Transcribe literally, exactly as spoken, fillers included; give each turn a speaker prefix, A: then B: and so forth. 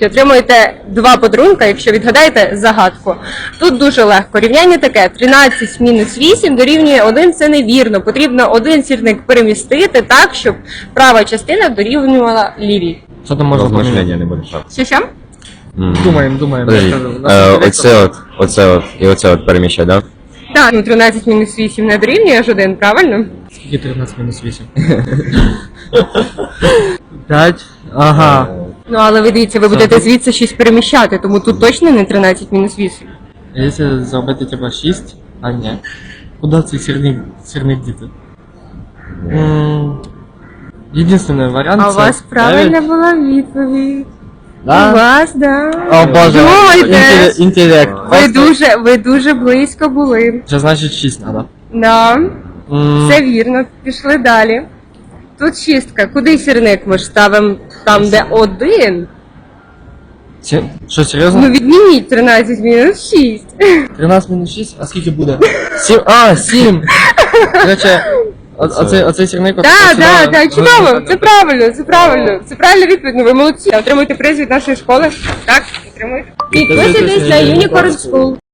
A: відповідь, отримуєте два подарунка, якщо відгадаєте загадку. Тут дуже легко. Рівняння таке: тринадцять мінус вісім дорівнює один, це невірно. Потрібно один сірник перемістити так, щоб права частина дорівнювала лівій.
B: Що там можна поміняти?
C: Розмишлення не буде шансу.
A: Що що?
B: Думаємо, думаємо.
C: Подожди,
B: Я кажу, наш
C: е,
B: директор.
C: оце от, оце от, і оце от переміщай, да?
A: Так, ну тринадцять мінус вісім не дорівнює аж один, правильно?
B: Скільки тринадцять мінус вісім? п'ять. Ага.
A: Ну, але ви дивіться, ви
B: Це
A: будете
B: ви-
A: звідси шість переміщати, тому тут точно не тринадцять мінус вісім.
B: Якщо зробити типа шість, а ні. Куди цей сірник, сірник діти? М, Єдиний варіант
A: А у
B: це
A: вас правильна
B: дев'ять.
A: була відповідь. У
B: Да?
A: вас, да.
B: О боже,
A: Думайте.
B: інтеле- інтелект.
A: Ви дуже, ви дуже близько були.
B: Це значить шість треба.
A: Да, все вірно. Пішли далі. Тут шістка. Куди сірник ми ж ставимо там, де один?
B: Що, серйозно?
A: Ну відніміть тринадцять мінус шість.
B: тринадцять мінус шість, а скільки буде? сім, а, сім! Короче, о- оцей, оцей сірник... от-
A: Так,
B: от
A: так,
B: сюди-
A: так, чудово. Це правильно, це правильно. Це правильна відповідь. Ну ви молодці. Отримуєте приз від нашої школи. Так, отримуєте. Підписуйтесь на Unicorn School.